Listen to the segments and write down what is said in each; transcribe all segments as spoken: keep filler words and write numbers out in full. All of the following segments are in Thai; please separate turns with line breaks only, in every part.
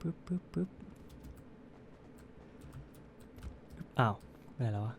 ปึ๊บปึ๊บปึ๊บอ้าวไปไหนแล้ววะ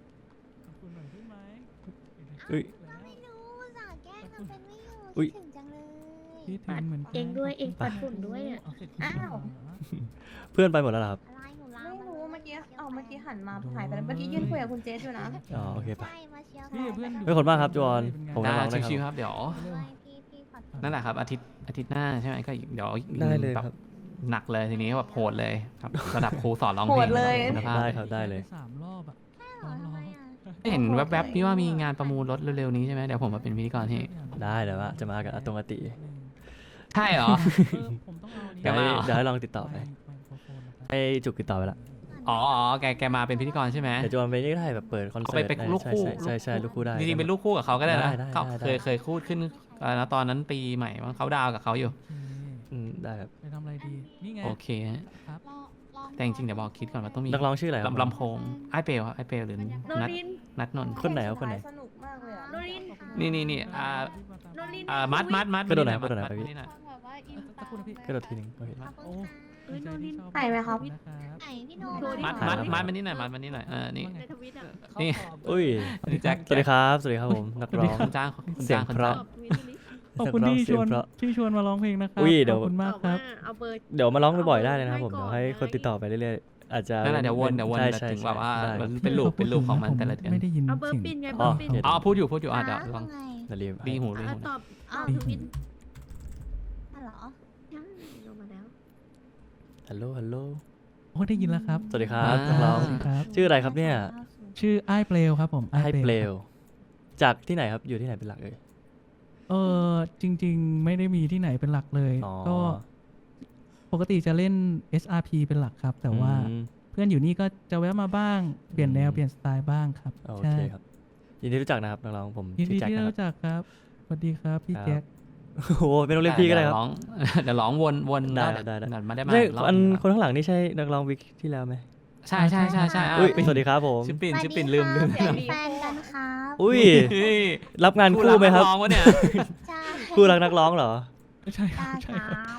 อุ้ย
ไม่รู้สาแกล้งทำเป็นไม่อยู่
อุ๊ย
คิดถึงจังเลย
คิดถึงเหมือนกัน
เองด้วยเองปัดฝุ่นด้วยอ่ะ
อ้าว
เพื่อนไปหมดแล้วเหรอครับ
อะไรหนูลา
ไม่รู้เมื่อกี้เอาเมื่อกี้หันมาหายไปแล้วเมื่อกี้ยืนคุยกับคุณเจสอยู่นะ
อ๋อโอเคปะ
ใช่มาเชียร์
พี่เพื่อน
ไม่ขอบคุณมากครับจวน ผม
ได้
น้องๆได้ค
ชิวๆ
รับ
ครับเดี๋ยว
ด้วยพี่พี่ขอโทษ
นั่นแหละครับอาทิตย์อาทิตย์หน้าใช่ไหมก็เดี๋ยว
ได้เลย
แบ
ครับ
บหนักเลยทีนี้แบบโหดเลยครับระดับครูสอนร้องเพล
โห
ง
ดเลย
คุณภาพ
ได้ครับได้เลย
สามรอบอ่ะ
เหรอทำไมอ่ะ
เห็นแวบๆพี่ว่ามีงานประมูลรถเร็วๆนี้ใช่ไหมเดี๋ยวผมมาเป็นพิธีกรให้
ได้เดี๋ยวว่าจะมากับอาตงอาติ
ใช่เหรอ
ผมต้องเอา
เดี๋ยวให้
มาเหรอ
เดี๋ยวให้ลองติดต่อไปให้จุกติดต่อไปละ
อ๋ออ๋อแกแกมาเป็นพิธีกรใช่ไหม
เดี๋ยวจวนไปนี่ก็ได้แบบเปิดคอนเสิร์ต
เอาไปเป็นลูกคู่
ใช่ใช่ใช่ลูกคู่ได้
จริงๆเป็นลูกคู่กับเขาก็ได้นะ
ได้ได้
เขา
ได้
เคยเคยคู่ขึ้นอะไรนะตอนนั้นปีใหม่ว่าเขาดาวกับเขาอยู่
อืมได้ครับ
ไปทำอะไรดี นี่ไง
โอเคฮะ
ครับ
รอรอ
แต่จริงๆเดี๋ยวบอกคิดก่อนว่าต้องมี
นักร้องชื่ออะไรครับ
ลำลำโพงไอเปลครับไอเปลหรือ
โน
นัด
ริน
นัดนนท์
คนไหนครับคนไหน
สนุกมากเลยอะ
โนริน
นี่นี่นี่อ่า
โนริน
อ่ามัดมัดมัด
กระโดดไหน
มั
กระโดดไหน
มั
ไปพี่
นี่น่ะ
แบบว่าอินตา
กระโดดทีหนึงโอเค
ขอบ
โอ้
คุณค่ะ
เอ้ยโนริน
ไหนไหมครับ
ไหนพี่โน
โทรดิ
มัด
ถ่าย
มัด
แล้ว
มัดมันนี่หน่อยมัดมันนี่หน่อยเออนี่
ในทวิตอ่ะ
นี่
อุ้ย
นี่แจ็ค
สวัสดีครับสวัสดีครับผมนักร้อง
คนจ้างคน
เสีย
จ้าง งคน
เพ
จ้า
ราะ
ง
วิทลิส
ขอบคุณที่ชวน
นักร้องเสียงเพราะ
ที่ชวนมาร้องเพลงนะครั
อุ้ยเดี๋ยว
ขอบคุณมากครับ
เอาเบอร์
เดี๋ยวมาร้องบ่อยๆได้เลยนะครับผม
ให้ก่
เดี๋
อน
ยวให้คนติดต่อไปเรื่อยๆอาจจะ
นั่นแหละเดี๋ยววนเดี๋ยววน
ใช่
แต่
ใช่
ถึงแบบว่า
ได้
มันเป็นลูปเป็นลูปของมันแต่ละเดือน
ไม่ได้ยิน
เอาเบอร์
เสียง
ปินไง
อ๋
เบอ
อ
ร์ปิน
เดี๋ยว
อ๋อพูดอยู่พูดอยู่อ่ะเดี๋ยวลอง
ไง
อย่าลืม
ดีหูดี
อ่ะ
หู
ตอบ
อ้าว
ทวิต
อ๋อเหรอ
ใช่ลงมาแล้ว
ฮัลโหลฮัลโหล
โอ้ได้ยินแล้วครับ
สวัสดีครับนักร้อง
สวัสดีครับ
ชื่ออะไรครับเนี่ย
ชื่อไอ้ายเปลวครับผม
ไฮเปลวจากที่ไหนครับอยู่ที่ไหนเป็นหลักเอ่ย
เออจริง ๆ ไม่ได้มีที่ไหนเป็นหลักเลย
อ๋อ
ก็ปกติจะเล่น เอส อาร์ พี เป็นหลักครับ แต่ว่า
อืม
เพื่อนอยู่นี่ก็จะแวะมาบ้าง เปลี่ยนแนว
อืม
เปลี่ยนสไตล์บ้างครับ
โอ
ใช่
เคครับยินดีรู้จักนะครับนักร้องผม
ยิน
ชื่
ดี
อแจ็ค
ที่
นะ
ได้
ครับ
รู้จักครับ สวัสดีครับพี่
ครับ
แจ็ค
โอ้โหเป็นโรงเรียนพี่ก็ได้ครับ
เยวร้อง เดี๋ยวร้องวนวน
ได้
แล้ว
ได้ได้
เยวมาได้มา
ใช่
รอบ
อัน
นึง
คนข้างหลังนี่ใช่นักร้องวิกที่แล้วไหม
ใช่ใช่ใช่ใช่อ่ะ
อุ้ย
ปิ่น
สวัสดีครับผม
ชื่อปิ่น
สวัส
ชื่อ
ดี
ปิ่นลืมลืม
ค่ะเป็นแฟนกันครับ
อุ้ย
นี่
รับงานคู่ไหมครับ
นักร้องวะเนี่ย
ใช่
คู่รักนักร้องเหรอ
ใช่ค
ได้
รับใช่
ค
ค
รั
รับบ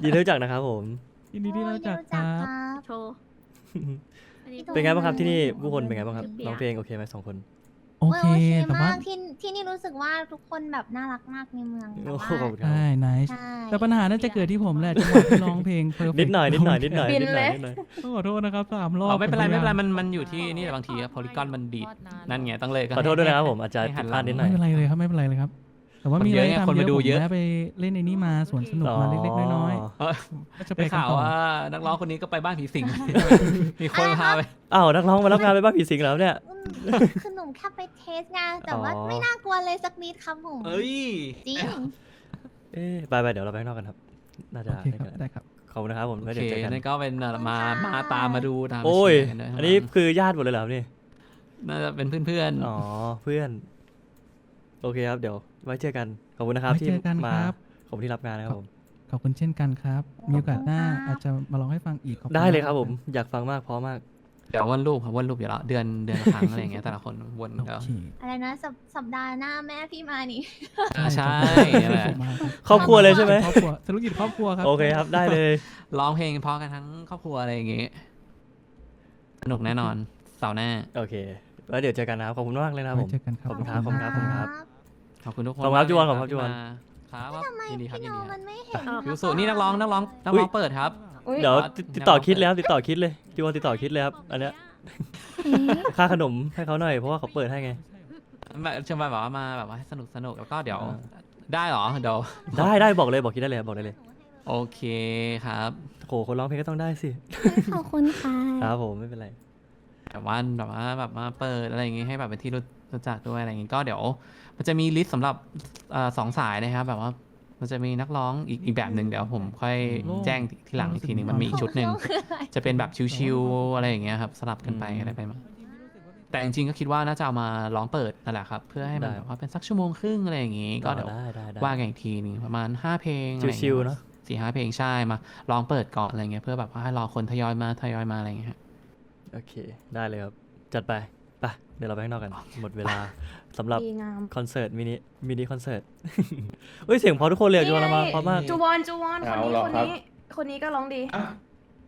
ยินดีรู้จักนะครับผม
ยินดีที่ได้รู้จักครับ
โชว์อันนี้
เป็นไงบ้างครับที่นี่ผู้คนเป็นไงบ้างครับร้องเพลงโอเคไหมสองคน
โอเค แต่ว่า
มากที่ที่นี่รู้สึกว่าทุกคนแบบน่ารักมากในเมืองแต่
โอ้
ว่า
โหขอบคุณครับ
ใช่ไนท์
ใช่
แต่ปัญหาน่าจะเกิดที่ผมแหละจังหวะที่ร้องเพลง perfect
นิดหน่อยนิดหน่อยนิดหน่อย
บิน
นิดหน่อย
เลย
นิดหน่อย
ต้องขอโทษนะครับสามรอ
อ๋
บ
อไม่เป็นไร
ผ
ไม่เป็นไร
พยายา
มันมันอยู่ที่นี่แหละบางทีโพลีกอนมันดีดนั่นไงต้องเลย
ขอโทษด้วยนะครับผมอาจจะผิดพลาดนิดหน่อ
ไม่
ย
เป็นไรเลยครับไม่เป็นไรเลยครับ แต่ว่ามีอะไรทำ
คนมาดูเยอะ
ผมแวะไปเล่นในนี้มาสวนสนุกมาเล็กๆน้อย
เออ
ๆก็จะไป
ได้
กัน
ข่าว
ต่อ
ว่านักร้องคนนี้ก็ไปบ้านผีสิง มีคนพาไป
อ้าวนักร้องมารับงานไปบ้านผีสิงแล้วเนี่ย
อืมคือหนุ่มแค่ไปเทสงานแต่ว่า
อ๋อ
ไม่น่ากลัวเลยสักนิดครับผม
เอ้ย
จริง
เอ๊ะไปไปเดี๋ยวเราไปข้างนอกกันครับ น่าจะ
โอเค
ได้
ครั
กับ น
ได้ครับ
ขอบคุณนะครับผม
โอ
แล้ว
เค
เดี๋ยวเจอกัน
นั่นก็เป็นเอ่อมามาตามมาดูตามมา
โอ้ย
เชีร์กันด้วย
อันนี้คือญาติหมดเลยเหรอครับนี่
น่าจะเป็นเพื่อน
อ๋อเพื่อน โอเคครับเดี๋ยวไว้เจอกันขอบคุณนะครับ
ไว้
ที่
เจอกัน
มา
ครับ
ขอบคุณที่รับงานนะครับผม
ขอบคุณเช่นกันครับ มีโอกาสหน้าอาจจะมาลองให้ฟังอีกขอบณ
ได้เลยครับ
าก
ผมอยากฟังมากเพราะมาก
ๆเดี๋ยววนรูปครับวนรูปเดี๋ยวเราเดือนเดือนละครั้งอะไรอย่างเงี้ยแต่ละคนวน
โอ
เดี๋ยว
เค
อะไรนะสัปสัปดาห์หน้าแม่พี่มานี่
อ่าใช่นั่นแหละ
มาครับ
ครอบครัวเลยใช่ไหม
ครอบครัวธุรกิจครอบครัวครับ
โอเคครับได้เลย
ร้องเพลงเพราะกันทั้งครอบครัวอะไรอย่างเงี้ยสนุกแน่นอนเสาร์หน้า
โอเคแล้วเดี๋ยวเจอกันนะครับขอบคุณมากเลยนะครับผ
ไว้
ม
เจอกันค
ข
รั
อบบ คุณครับขอบคุณครับขอบคุณครับ
ขอบคุณทุกคน
ขอบคุณครับ
มาก
จวน
เลย
ขอบคุณครับจวน
ที่มาครับ
ทำไม
ยินดีครับ
พี่
ยิ
โน
นดีค
มั
รับ
นไม่เห็น
ยูสุนี่นักร้องนักร้องนักร้องเปิดครับ
อุ๊ย
เดี๋ยว
อ๋อ
ติดติดต่อคิดเลยครับติดต่อคิดเลยจวนติดต่อคิดเลยครับอันเนี้ยค่าขนมให้เขาหน่อยเพราะว่าเขาเปิดให้ไง
แบบเชิญมาแบบว่ามาแบบว่าให้สนุกสนุกแล้วก็เดี๋ยว
อ่า
ได้เหรอเดี๋ยว
ได้ได้บอกเลยบอกคิดได้เลยบอกได้เลย
โอเคครับ
โหคนร้องเพลงก็ต้องได้สิ
ขอบคุณค่ะ
ครับผมไม่เป็นไร
แบบว่าแบบว่าแบบมาเปิดอะไรอย่างงี้ให้แบบเป็นที่รู้รู้จักด้วยอะไรอย่างงี้ก็เดี๋ยวมันจะมีลิสต์สำหรับเอ่อสองสายนะครับแบบว่ามันจะมีนักร้องอีกอีกแบบหนึ่งเดี๋ยวผมค่อยแจ้งทีหลังอีกทีหนึ่งมันมีอีกชุดหนึ่งจะเป็นแบบชิวๆอะไรอย่างเงี้ยครับสลับกันไป
อืม
อะไรไปมาแต่จริงๆก็คิดว่าน่าจะเอามาร้องเปิดนั่นแหละครับเพื่อให้มัน
ได้
แบบว่าเป็นสักชั่วโมงครึ่งอะไรอย่างงี้ก็เดี๋ยว
ได้ได้ได้
ว่ากันอีกทีหนึงประมาณห้าเพลงอะไรอย่าง
ชิ
งี้
วๆเนาะ
สี่ห้าเพลงใช่มาลองเปิดก่อนอะไรเงี้ยเพื่อแบบว่าให้รอคนทยอยมาทยอยมาอะไรเงี้ยฮะ
โอเคได้เลยครับจัดไปไปเดี๋ยวเราไปข้างนอกกันหมดเวลาสำหรับ
ดีงาม
คอนเสิร์ตมินิมินิคอนเสิร์ต เฮ้ยเสียงเพอทุกคนเลยอะจวนเรามาเพราะมาก
จูวอนจูวอนคนนี้
เอาเหรอ
คน
ครับ
นี้ คนนี้ก็ร้องดี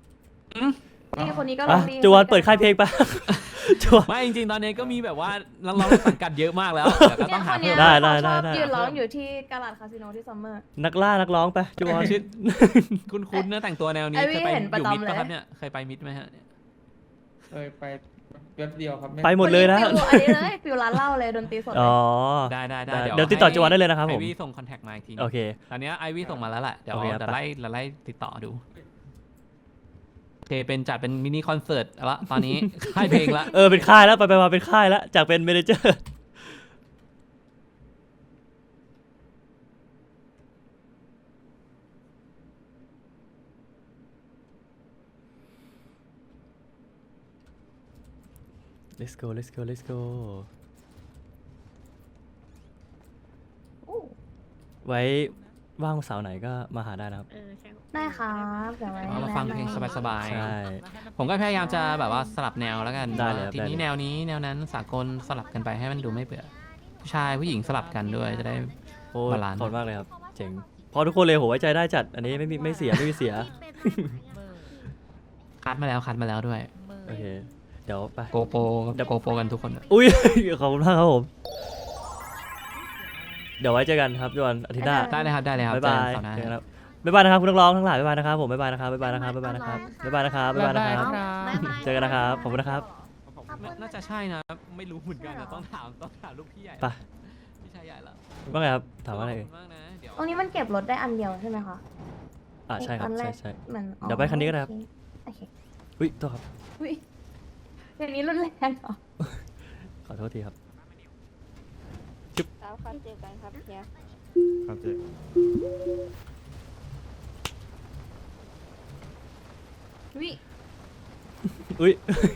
นี่คนนี้ก็ล
อ่ะ
องดี
จวนเปิดค่ายเพลงปะ จวน
ไม่จริงๆตอนนี้ก็มีแบบว่านักร้องในสังกัดเยอะมากแล้วแต่ก็
เนี่
ต้อย ง
ค
หาน
เนี้
เพิ่
ย
ม
ได้ได้
เขาชอบ
ได้
ยืนร้องอยู่ที่กาลาดคาสิโนที่ซัมเมอร์
นักล่านักร้องไปจวน
ชื่อคุ้นๆนะแต่งตัวแนวนี้
ไอ้วี่
เคยไป
เห็น
อ
ประ
ยู่
จำ
มิดปะ
เลย
ครับเนี่ยเคยไปมิดไหมฮะ
เคยไปแป๊บเดียวครับ
ไปหมดเลยนะ
ฟิวอันนี้เลยฟิวร้านเหล้าเลยดนตรีสดเล
อ๋
ย
อ
ได้ได้ได้
ได้
เดี๋ยว
เดี๋ยวติดต่อ
ให้
จวนได้เลยนะครับผม
ไอวี่ส่งคอนแทคมาอีกที
โอเค
ตอนเนี้ยไอวี่ส่งมาแล้วแหละเดี๋ยว
โอเคครับ
เดี๋ยวไล่เราไล่ติดต่อดูโอเคเป็นจัดเป็นมินิคอนเสิร์ตละตอนนี้ ค่ายเพลงละ
เออเป็นค่ายแล้วไปไปมาเป็นค่ายแล้วจากเป็นเมเนเจอร์ let's go let's go let's go ไว้ว่างเสาร์ไหนก็มาหาได้นะครับ
เออใช่
ได้ครับเดี๋ยวไว้
เอามาฟังเพลงสบาย
ใช่
ๆผมก็พยายามจะแบบว่าสลับแนวแล้วกัน
ได้เลยครับ
ทีนี้
ได้เลย
แนวนี้แนวนั้นสากลสลับกันไปให้มันดูไม่เบื่อผู้ชายผู้หญิงสลับกันด้วยจะได้
โอ้ย
บาลานซ์
ขอบคุณมากเลยครับ เจ๋ง พอทุกคนเลยโหไว้ใจได้จัด อันนี้ไม่มีไม่เสียไม่มีเสีย
คัดมาแล้วคัดมาแล้วด้วย
โอเค เดี๋ยวไป
โกโปโกโปกันทุกคน
อุ้ย ขอบคุณมากครับผม เดี๋ยวไว้เจอกันครับจวนอาทิตย์หน้า
ได้เลยครับได้เลยครับ
บ๊ายบาย
เจอกันเสร์หน้า
เจอกันครับบ๊ายบายนะครับคุณนักร้องทั้งหลายบ๊ายบายนะครับผมบ๊ายบายนะครับบ๊ายบายนะครับบ๊ายบายนะครับบ๊ายบายนะครับบ๊ายบายนะครับ เจอกันนะครับขอบคุณนะครับ
น่าจะใช่นะไม่รู้เหมือนกันแต่ต้องถามต้องถามลูกพี่ใหญ่
ไป
พี่ชายใหญ่ละ
ว่าไงครับถามว่าอะไร
ข
เอ่
อย บคุณมากนะเดี๋ยว
ตรงนี้มันเก็บรถได้อันเดียวใช่ไหมคะ
อ่าใช่ครับ
อันแร
ใช่
ก
ใช่
เหมือนอ๋อ
เดี๋ยวไปคันนี้ก็ได้ครับ
โอเค
อุ้ยโทษครับ
อุ้ยอย่างนี้รุนแรงเหรอ
ขอโทษทีครับ
แล้วครับเจอกันครับเฮีย
ครับเจ๊
อุ้ย
อุ้ย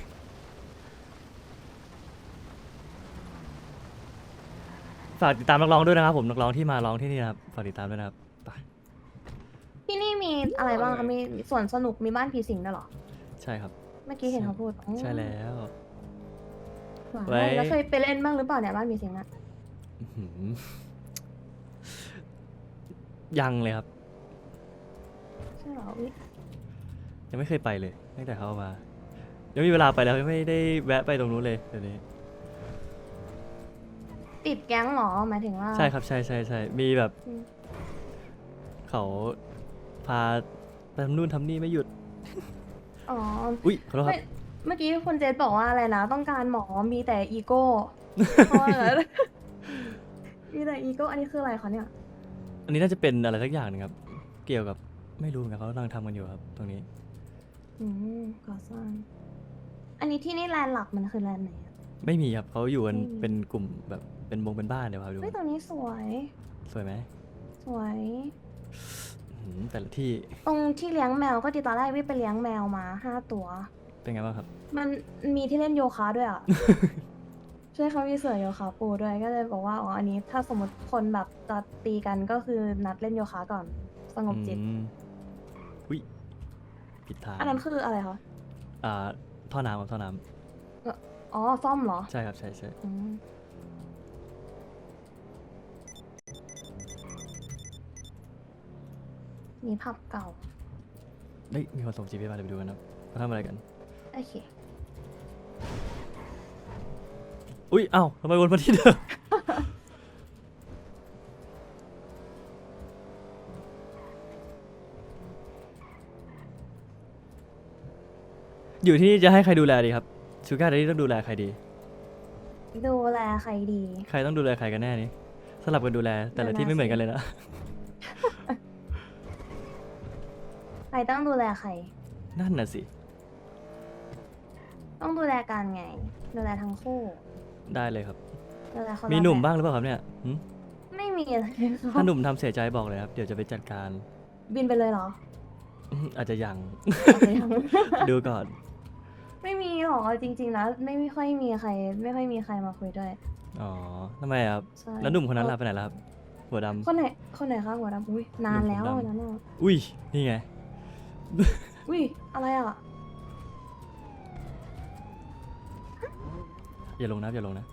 ฝากติดตามนักร้องด้วยนะครับผมนักร้องที่มาร้องที่นี่นะครับฝากติดตามด้วยนะครับไป
ที่นี่มีอะไรบ้างคะมีสวนสนุกมีบ้านผีสิงด้วยเหรอ
ใช่ครับ
เมื่อกี้เห็นเขาพูดอ๋อ
ใช่แล้ว
ว้าว
ไว้
แล้วเคยไปเล่นบ้างหรือเปล่าเนี่ยบ้านผีสิงอะ
อื้อหือยังเลยครับ
ใช่เหรออุ้ย
ยังไม่เคยไปเลยตั้งแต่เขาเอามายังไม่มีเวลาไปแล้วยังไม่ได้แวะไปตรงนู้นเลยเดี๋ยวนี้
ติดแก๊งเหรอหมายถึงว่า
ใช่ครับใช่ใช่ใช่มีแบบ
อืม
เขาพาไปทำนู่นทำนี่ไม่หยุด
อ๋อ
อุ้ยขอโทษค
ไม่
รับ
เมื่อกี้คุณเจษบอกว่าอะไรนะ ต้องการหมอมีแต่อีโก้ เพราะว่าอะไร มีแต่อีโก้ อันนี้คืออะไรคะเนี่ย
อันนี้น่าจะเป็นอะไรสักอย่างหนึงครับ เกี่ยวกับไม่รู้เหมือนกันเขากำลังทำกันอยู่ครับ ตรงนี้
อืมก่อสร้าง อันนี้ที่นี่แลนด์หลักมันคือแลนด์ไหนอะ
ไม่มีครับเขาอยู่กัน
ไม่มี
เป็นกลุ่มแบบเป็นวงเป็นบ้านเดี๋ยวพาไปดู
เฮ้ยตรงนี้สวย
สวยไหม
สวย
อื้อหือแต่ละที่
ตรงที่เลี้ยงแมวก็ดีตอนแรกวิไปเลี้ยงแมวมาห้าตัว
เป็นไงบ้างครับ
มันมีที่เล่นโยคะด้วย อ่ะ ใช่เขามีเสือโยคะปูด้วย ก็เลยบอกว่า อ๋อ อันนี้ถ้าสมมติคนแบบจะตีกันก็คือนัดเล่นโยคะก่อน สงบจิต
อืมอุ้ยผิดทาง
อันนั้นคืออะไรคะ
อ่าท่อน้ำครับท่อน้
อ๋อ ซ่อมเหรอ
ำใช่ครับใช่ใช่
อืมมีผับเก่า
เฮ้ยมีคนส่งจีพีมาเดี๋ยวไปดูกันนะครับเขาทำอะไรกัน
โอเค
อุ้ยเอ้าทำไมวนมาที่เดิม อยู่ที่นี่จะให้ใครดูแลดีครับชูการ์ที่ต้องดูแลใครดี
ดูแลใครดี
ใครต้องดูแลใครกันแน่นี่สลับกันดูแล แต่ละที่ไม่เหมือนกันเลยนะ
ใครต้องดูแลใคร
นั่นน่ะสิ
ต้องดูแลกันไง ดูแลทั้งคู่
ได้เลยครับ
ดูแลคนละ
มีหนุ่ม
แบบ
บ้างหรือเปล่าครับเนี่ยหึ
ไม่มีอะไรค่ะ
ถ้าหนุ่มทำเสียใจบอกเลยครับ เดี๋ยวจะไปจัดการ
บินไปเลยเหรอ
อื้ออาจจะยัง
เอาไปยัง
ดูก่อน
ไม่มีหรอกจริงๆนะไม่ไม่ค่อยมีใคร ไม่ค่อยมีใครมาคุยด้วย
อ๋อทำไมครับ
ใช่
แล้วหนุ่มคนนั้นล่ะไปไหนล่ะครับ หัวดำ
คนไหนคนไหนคะหัวดำอุ้ยนานแล้ว
หนุ่มผมดำ
วันนั้นอ่ะ
อุ้ย นี่ไง
อุ้ยอะไรอ่ะ
อย่าลงนะอย่าลงนะ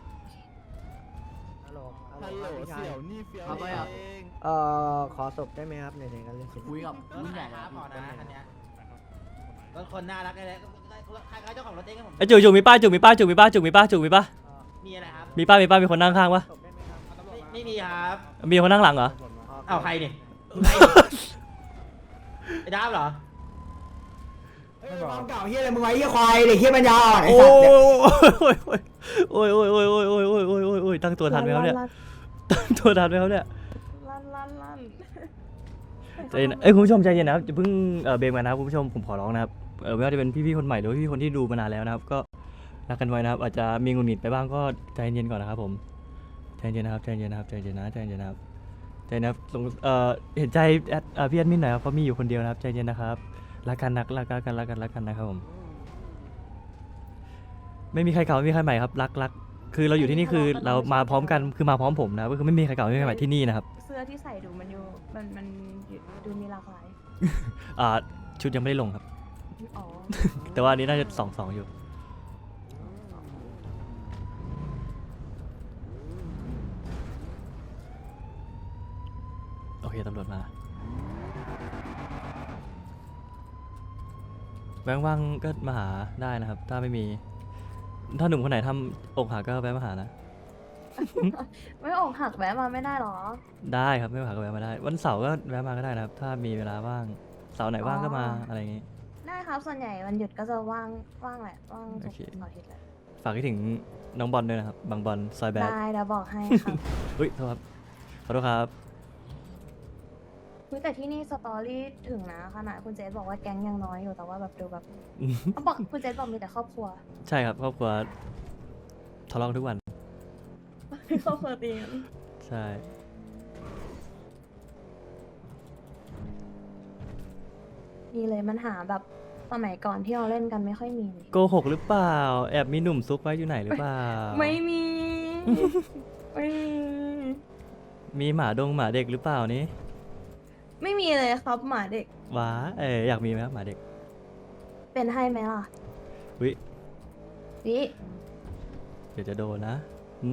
ฮัลโหล
ฮัลโหลเสี่ยวนี่เฟียว
ครับ
เอง
เอ่อขอศพได้ไหมครับในในการเล่นศพ
คุยกับรุ่นใหญ่แล้ว
พอนะคันเนี้ย
ก็คนน่ารักเลยใครๆเจ้าของรถเองครับผม
ไอ้จุกจุกมีป้าจุกมีป้าจุกมีป้าจุกมีป้าจุกมีป้า
มีอะไรครับ
มีป้ามีป้ามีคนนั่งข้างปะ
ไม่ไม่มีครับ
มีคนนั่งหลังเหรอ
เอาใครเนี่ยไอ้ดาบเหรอ
ความเก่าเฮียอะไรมึงไว้เฮียควายเด็กเฮียปัญญาอ่อนไอ้
โอ้
สัตว์
ยโอ้ยโอ้ยโอ้ยโอ้ยโอ้ยโอ้ยโอ้ยโอ้ยโอ้ยตั้งตัวทันไหมครับเนี่ยตั้งตัวทันไหมครับเนี่ย
ลั่นลั่นลั่น
ใจเย็นเอ้ยคุณผู้ชมใจเย็นนะครับอย่าเพิ่งเอ่อเบรกมานะครับคุณผู้ชมผมขอร้องนะครับเออไม่ว่าจะเป็นพี่ๆคนใหม่หรือว่าพี่ๆคนที่ดูมานานแล้วนะครับก็รักกันไว้นะครับอาจจะมีหงุดหงิดไปบ้างก็ใจเย็นๆก่อนนะครับผมใจเย็นนะครับใจเย็นนะครับใจเย็นนะใจเย็นนะครับใจเย็นนะครับสงเอ่อเห็นใจแอดเอ่อพี่แอดมินหน่อยครับเพราะมีอยู่คนเดียวนะครับใจเย็นนะครับรักกันรักรักกันรักกันรักกันนะครับผมไม่มีใครเก่าไม่มีใครใหม่ครับรักรักคือเราอยู่ที่นี่คือเรามาพร้อมกันคือมาพร้อมผมนะก็คือไม่มีใครเก่าไม่มีใครใหม่ที่นี่นะครับ
เสื้อที่ใส่ดูมันอยู่มันมันดูมีหลากหลาย
อ่าชุดยังไม่ได้ลงครับ
อ๋อ
แต่ว่าอันนี้น่าจะสองสองอยู่ โอเคตำรวจมาแวงว่างก็มาหาได้นะครับ ถ้าไม่มี ถ้าหนุ่มคนไหนทำอกหักก็แวะมาหานะ
ไม่อกหักแวะมาไม่ได้หรอ
ได้ครับไม่อกหักก็แวะมาได้ วันเสาร์ก็แวะมาก็ได้นะครับ ถ้ามีเวลาว่างเสาร์ไหนว่างก็มาอะไรอย่างงี้
ได้ครับส่วนใหญ่วันหยุดก็จะว่างว่างแหละว่างทุ
โอก เค
เสาร์อาทิตย์แหละ
ฝากคิดถึงน้องบอลด้วยนะครับ บางบอลซอยแบด
ได้เดี๋ยวบอกให้ครับ
อุ้ยโทษครับขอโทษครับ
อุ๊ยแต่ที่นี่สตอรี่ถึงนะขนาดคุณเจสบอกว่าแก๊งยังน้อยอยู่แต่ว่าแบบดูแบบเขาบอกคุณเจสบอกมีแต่ครอบครัว
ใช่ครับครอบครัวทะเลาะกันทุกวัน
ครอบครัวตีกัน
ใช่
มีเลยมันหาแบบสมัยก่อนที่เราเล่นกันไม่ค่อยมีเลย
โกหกหรือเปล่า แอบมีหนุ่มซุกไว้อยู่ไหนหรือเปล่า
ไม่มี ไม่มี
มีหมาดงหมาเด็กหรือเปล่านี่
ไม่มีเลยครับหมาเด็ก
ว้าเอออยากมีไหมครับหมาเด็ก
เป็นให้ไหมล่ะ
วิ
วิ
เดี๋ยวจะโดนนะหึ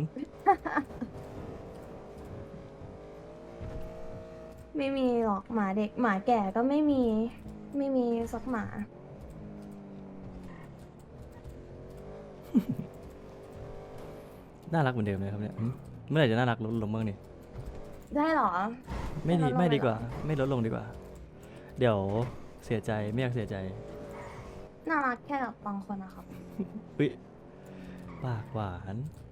ไม่มีหรอกหมาเด็กหมาแก่ก็ไม่มี ไม่มีสักหมา
น่ารักเหมือนเดิมเลยครับเนี่ยหึเมื่อไหร่จะน่ารักลดลงบ้างนี่
ได้เหรอ
ไม่ดี
ไม่ลดลง
ไม่ดี
เลยเหรอ
กว่า ไม่ลดลงดีกว่า เดี๋ยวเสียใจไม่อยากเสียใจ
น่ารักแค่กับบางคนนะครับ
วิปากหวาน